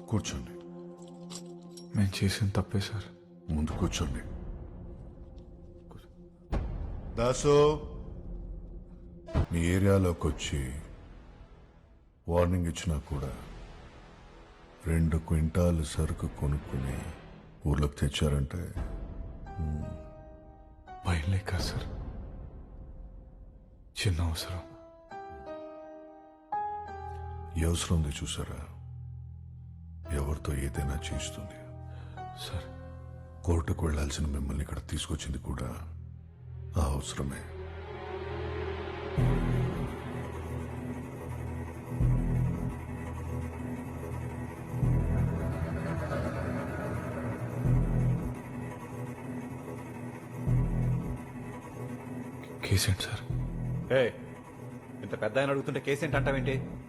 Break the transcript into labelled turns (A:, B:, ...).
A: కూర్చోండి.
B: నేను చేసిన తప్పే సార్.
A: ముందు కూర్చోండి. దాసు, మీ ఏరియాలోకి వచ్చి వార్నింగ్ ఇచ్చినా కూడా 2 క్వింటాలు సరుకు కొనుక్కుని ఊర్లోకి తెచ్చారంటే
B: భయం లేక సార్, చిన్న అవసరం.
A: ఈ అవసరం ఉంది చూసారా, ఎవరితో ఏదైనా చేస్తుంది.
B: సార్
A: కోర్టుకు వెళ్లాల్సిన మిమ్మల్ని ఇక్కడ తీసుకొచ్చింది కూడా ఆ అవసరమే.
B: కేసేంటి సార్?
C: ఇంత పెద్ద ఆయన అడుగుతుంటే కేసు ఏంటి అంటావేంటి?